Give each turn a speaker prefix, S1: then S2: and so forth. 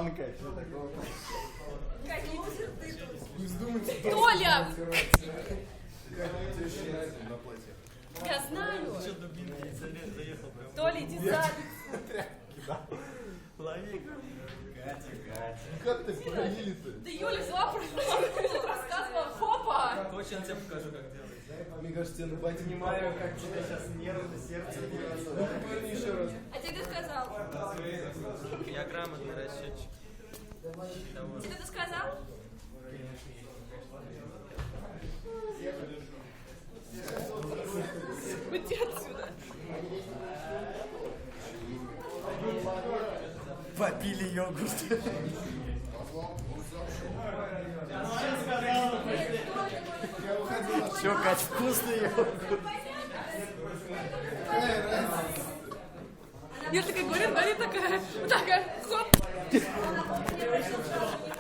S1: банка.
S2: Какие черты тут?
S1: Не вздумайте.
S2: Толя!
S1: На платье.
S2: Я знаю.
S3: Что дубинки заехал прям.
S2: Толя, иди сзади.
S3: Лови.
S1: Как ты пролили-то?
S2: Да Юля взяла просто рассказывала. Хопа!
S3: Хочешь, я тебе покажу, как делать.
S1: Мне кажется, тебе на ботинке.
S3: Понимаю, как тебе сейчас нервы, сердце бьется.
S1: Ну, поверни еще раз.
S2: А тебе кто сказал?
S3: Я грамотный расчетчик.
S2: Тебе кто сказал? Уйди отсюда.
S3: Попили йогурт. Че, Кать, вкусный йогурт?
S2: Я такая говорю, такая, вот такая, хоп.